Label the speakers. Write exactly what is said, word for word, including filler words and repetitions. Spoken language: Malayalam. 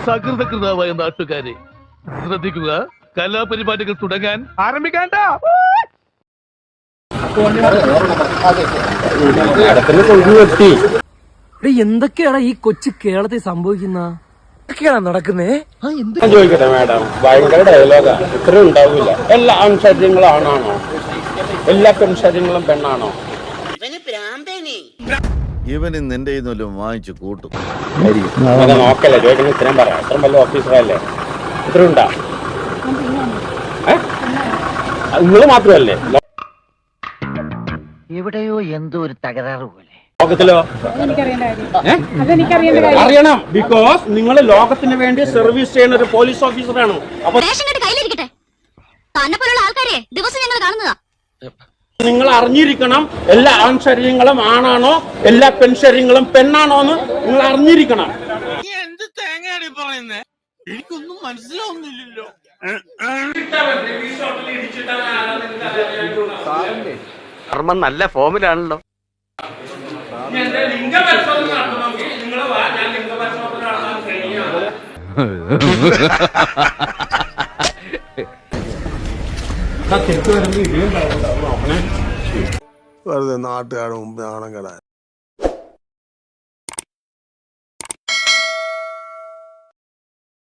Speaker 1: സകൃതകൃതാവായ നാട്ടുകാരെ ശ്രദ്ധിക്കുക, കലാപരിപാടികൾ തുടങ്ങാൻ ആരംഭിക്കാണ്ട.
Speaker 2: എന്തൊക്കെയാണ് ഈ കൊച്ചു കേരളത്തിൽ സംഭവിക്കുന്ന നടക്കുന്നേ?
Speaker 3: ചോദിക്കട്ടെ മാഡം, ഭയങ്കര ഡയലോഗാ. ഇത്രയും ഉണ്ടാവില്ല. എല്ലാ ആൺശരീരങ്ങളും ആണാണോ? എല്ലാ പെൺശരീരങ്ങളും പെണ്ണാണോ?
Speaker 4: ഇവന് നിന്റെ വാങ്ങിച്ചു കൂട്ടും.
Speaker 3: നോക്കല്ലേ, ചോദിക്കുന്നത് ഇത്രയും പറയാം. ഇത്രയും വലിയ ഓഫീസറല്ലേ? ഇത്ര ഉണ്ടാ? നിങ്ങൾ മാത്രമല്ലേ?
Speaker 5: എവിടെയോ എന്തോ ഒരു തകരാറ് പോലെ.
Speaker 3: ലോകത്തിലോ അറിയണം, ബിക്കോസ് നിങ്ങൾ ലോകത്തിന് വേണ്ടി സർവീസ് ചെയ്യുന്ന ഒരു പോലീസ് ഓഫീസറാണ്. അപ്പൊ നിങ്ങൾ അറിഞ്ഞിരിക്കണം, എല്ലാ ആൺശരീരങ്ങളും ആണാണോ, എല്ലാ പെൺശരീരങ്ങളും പെണ്ണാണോ എന്ന് നിങ്ങൾ അറിഞ്ഞിരിക്കണം.
Speaker 6: എന്ത് തേങ്ങയാണ് പറയുന്നേ? എനിക്കൊന്നും മനസ്സിലാവുന്നില്ലല്ലോ.
Speaker 7: കർമ്മം നല്ല ഫോമിലാണല്ലോ.
Speaker 8: വെറുതെ നാട്ടുകാരുടെ മുമ്പ് നാണം കെടാൻ.